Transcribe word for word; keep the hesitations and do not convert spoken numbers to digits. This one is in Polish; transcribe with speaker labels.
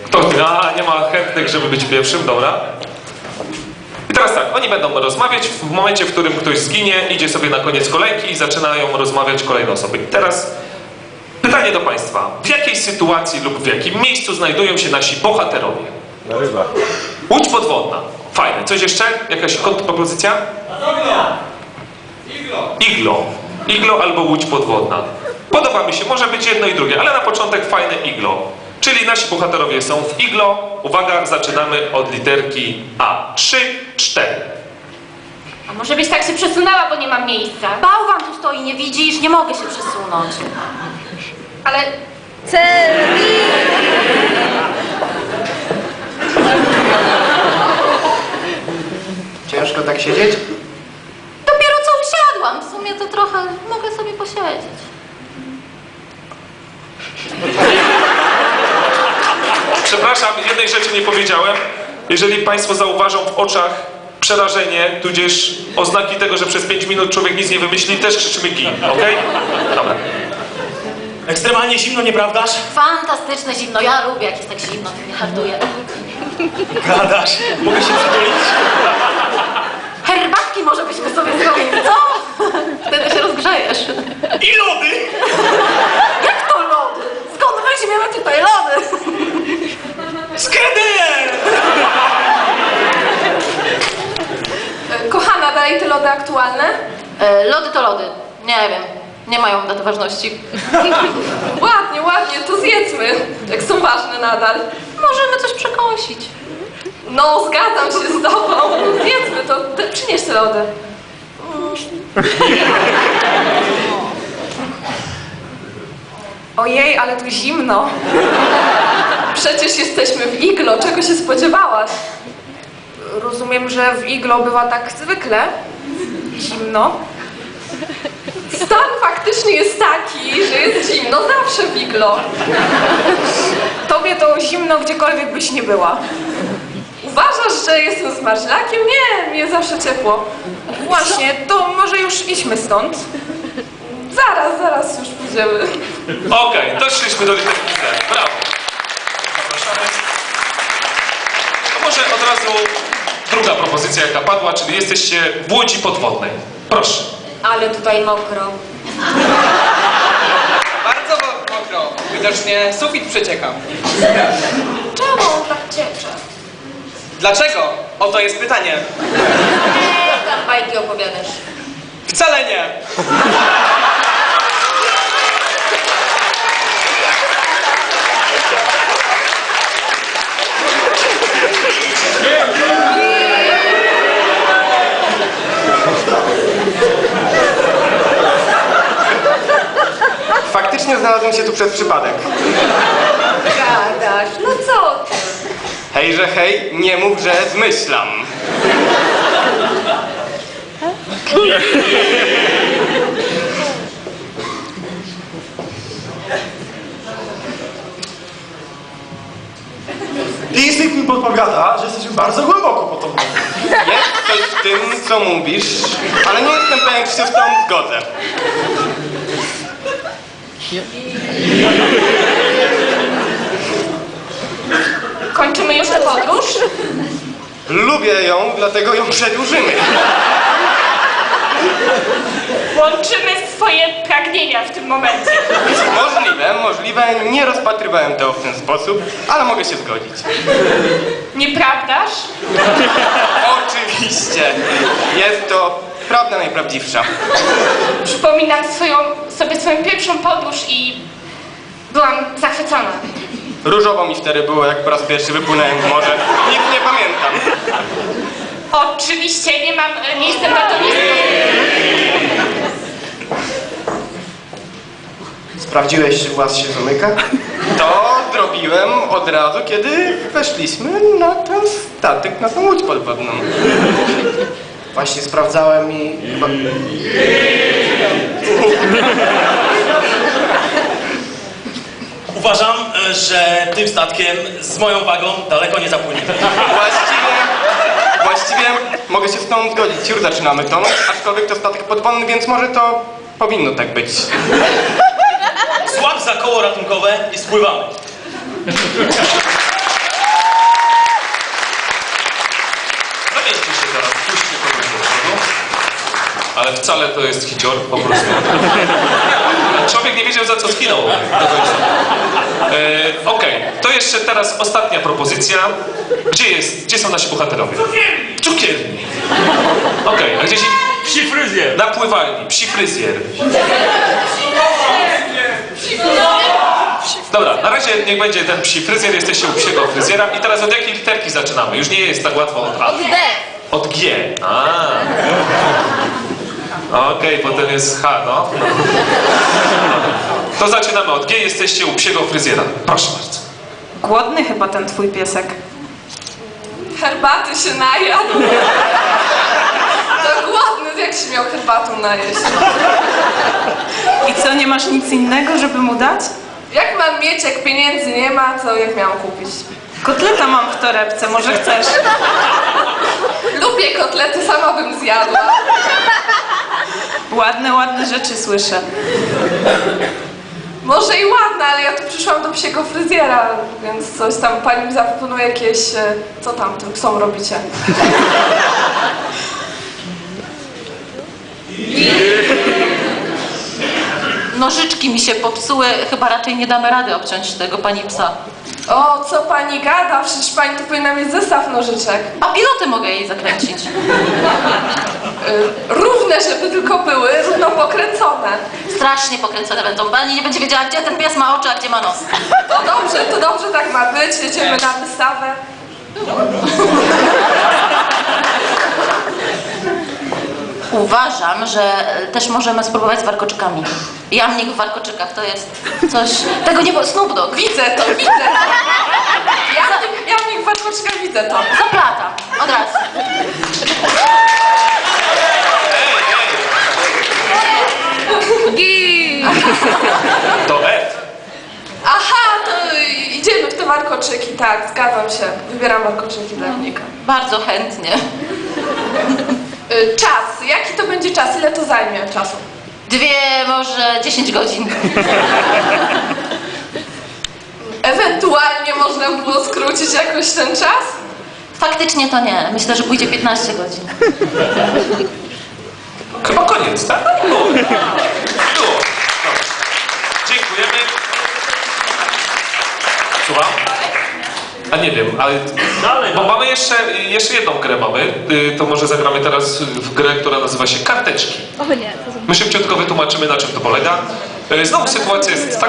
Speaker 1: Kto? A, nie ma chętnych, żeby być pierwszym, dobra. I teraz tak, oni będą rozmawiać w momencie, w którym ktoś zginie, idzie sobie na koniec kolejki i zaczynają rozmawiać kolejne osoby. I teraz pytanie do Państwa. W jakiej sytuacji lub w jakim miejscu znajdują się nasi bohaterowie?
Speaker 2: Na rybach.
Speaker 1: Łódź podwodna. Fajne. Coś jeszcze? Jakaś kontrpropozycja?
Speaker 3: Iglo!
Speaker 1: Iglo. Iglo albo łódź podwodna. Podoba mi się, może być jedno i drugie, ale na początek fajne iglo. Czyli nasi bohaterowie są w iglo. Uwaga, zaczynamy od literki A. Trzy, cztery.
Speaker 4: A może byś tak się przesunęła, bo nie mam miejsca.
Speaker 5: Bałwan tu stoi, nie widzisz? Nie mogę się przesunąć.
Speaker 4: Ale
Speaker 5: Celi!
Speaker 3: Ciężko tak siedzieć?
Speaker 5: Dopiero co usiadłam. W sumie to trochę mogę sobie posiedzieć.
Speaker 1: Przepraszam, jednej rzeczy nie powiedziałem. Jeżeli Państwo zauważą w oczach przerażenie, tudzież oznaki tego, że przez pięć minut człowiek nic nie wymyśli, też krzyczymy gin, okej? Dobra.
Speaker 6: Ekstremalnie zimno, nieprawdaż?
Speaker 5: Fantastyczne zimno. Ja lubię, jak jest tak zimno, to mnie harduje.
Speaker 6: Gadasz. Mogę się przytulić?
Speaker 5: Herbatki może byśmy sobie zrobili, co? Wtedy się rozgrzejesz.
Speaker 6: I lody!
Speaker 5: Jak to lody? Skąd weźmiemy tutaj lody?
Speaker 6: Skredyje!
Speaker 4: kochana, dalej te lody aktualne?
Speaker 5: E, lody to lody. Nie wiem. Nie mają daty ważności.
Speaker 4: Ładnie, ładnie, to zjedzmy. Jak są ważne nadal.
Speaker 5: Możemy coś przekąsić.
Speaker 4: No, zgadzam się z tobą. Zjedzmy to. Te, przynieś te lody. Ojej, ale tu zimno. Przecież jesteśmy w iglo. Czego się spodziewałaś? Rozumiem, że w iglo bywa tak zwykle. Zimno. Stan faktycznie jest taki, że jest zimno zawsze w iglo. Tobie to zimno gdziekolwiek byś nie była. Uważasz, że jestem zmarzlakiem? Nie, mnie zawsze ciepło. Właśnie, to może już idźmy stąd. Zaraz, zaraz już pójdziemy.
Speaker 1: Okej, doszliśmy do literki C. Brawo. Zapraszamy. To może od razu druga propozycja, jaka padła, czyli jesteście w łodzi podwodnej. Proszę.
Speaker 4: Ale tutaj mokro.
Speaker 3: Bardzo mokro. Widocznie sufit przecieka.
Speaker 4: Czemu on tak ciecze?
Speaker 3: Dlaczego? Oto jest pytanie.
Speaker 5: Eee, tam bajki opowiadasz.
Speaker 3: Wcale nie.
Speaker 7: Faktycznie znalazłem się tu przez przypadek.
Speaker 4: Gadasz, no co ty?
Speaker 7: Hejże hej, nie mów, że zmyślam.
Speaker 6: Instynkt mi podpowiada, że jesteśmy bardzo głęboko pod tą wodą.
Speaker 7: Jest coś w tym, co mówisz, ale nie jestem pewien, czy się z tobą zgodzę.
Speaker 4: Kończymy już tę podróż?
Speaker 7: Lubię ją, dlatego ją przedłużymy.
Speaker 4: Łączymy swoje pragnienia w tym momencie.
Speaker 7: Możliwe, możliwe, nie rozpatrywałem tego w ten sposób, ale mogę się zgodzić.
Speaker 4: Nieprawdaż?
Speaker 7: Oczywiście, jest to prawda najprawdziwsza.
Speaker 4: Przypominam swoją, sobie swoją pierwszą podróż i byłam zachwycona.
Speaker 7: Różowo mi wtedy było, jak po raz pierwszy wypłynąłem w morze. Nic nie pamiętam.
Speaker 4: Oczywiście nie mam, nie jestem daltonistą.
Speaker 3: Sprawdziłeś, czy włas się zamyka?
Speaker 7: To zrobiłem od razu, kiedy weszliśmy na ten statek, na tą łódź podwodną.
Speaker 3: Właśnie sprawdzałem i chyba...
Speaker 6: Uważam, że tym statkiem z moją wagą daleko nie zapłyniemy.
Speaker 7: Właściwie, właściwie mogę się z tobą zgodzić. Już zaczynamy tonąć, aczkolwiek to statek podwodny, więc może to powinno tak być.
Speaker 6: Złap za koło ratunkowe i spływamy.
Speaker 1: wcale to jest hicior, po prostu. Człowiek nie wiedział, za co skinął do końca. E, Okej, to jeszcze teraz ostatnia propozycja. Gdzie jest, gdzie są nasi bohaterowie? Cukierni! Cukierni. Okej, a gdzieś
Speaker 6: Psi fryzjer.
Speaker 1: na pływalni, psi fryzjer. Dobra, na razie niech będzie ten psi fryzjer, jesteście u psiego fryzjera. I teraz od jakiej literki zaczynamy? Już nie jest tak łatwo od A.
Speaker 5: Od D.
Speaker 1: Od G. A. Okej, potem jest H, no. no. To zaczynamy od G, jesteście u psiego fryzjera. Proszę bardzo.
Speaker 2: Głodny chyba ten twój piesek.
Speaker 4: Herbaty się najadł. To głodny, jak się miał herbatą najeść.
Speaker 2: I co, nie masz nic innego, żeby mu dać?
Speaker 4: Jak mam mieć, jak pieniędzy nie ma, to jak miałam kupić?
Speaker 2: Kotleta mam w torebce, może chcesz?
Speaker 4: Lubię kotlety, sama bym zjadła.
Speaker 2: Ładne, ładne rzeczy słyszę.
Speaker 4: Może i ładna, ale ja tu przyszłam do psiego fryzjera, więc coś tam pani mi zaproponuje jakieś... e, Co tam tym psom robicie?
Speaker 5: Nożyczki mi się popsuły, chyba raczej nie damy rady obciąć tego pani psa.
Speaker 4: O, co pani gada? Przecież pani tu powinna mieć zestaw nożyczek.
Speaker 5: Papiloty mogę jej zakręcić.
Speaker 4: Y, równe, żeby tylko były, równo pokręcone.
Speaker 5: Strasznie pokręcone będą. Pani nie będzie wiedziała, gdzie ten pies ma oczy, a gdzie ma nos.
Speaker 4: To dobrze, to dobrze tak ma być. Jedziemy na wystawę.
Speaker 5: Uważam, że też możemy spróbować z warkoczykami. Jamnik w warkoczykach to jest coś... Tego nie było... Snoop Dogg.
Speaker 4: Widzę to, widzę to. Ja w tym jamnik w warkoczkach widzę to.
Speaker 5: Zaplatam. Od razu.
Speaker 1: To F.
Speaker 4: Aha, to idziemy w te warkoczyki, tak, zgadzam się. Wybieram warkoczyki dla jamnika.
Speaker 5: Bardzo chętnie.
Speaker 4: Y, Czas, jaki to będzie czas? Ile to zajmie czasu?
Speaker 5: Dwie, może dziesięć godzin.
Speaker 4: Ewentualnie można było skrócić jakoś ten czas?
Speaker 5: Faktycznie to nie. Myślę, że pójdzie piętnaście godzin.
Speaker 1: Chyba koniec, tak? Było. Było. Dobra. Dziękujemy. Słucham? A nie wiem, ale...
Speaker 6: Dalej,
Speaker 1: Bo
Speaker 6: no.
Speaker 1: mamy jeszcze, jeszcze jedną grę mamy. Y, To może zagramy teraz w grę, która nazywa się Karteczki. My szybciutko wytłumaczymy, na czym to polega. Y, Znowu sytuacja jest taka,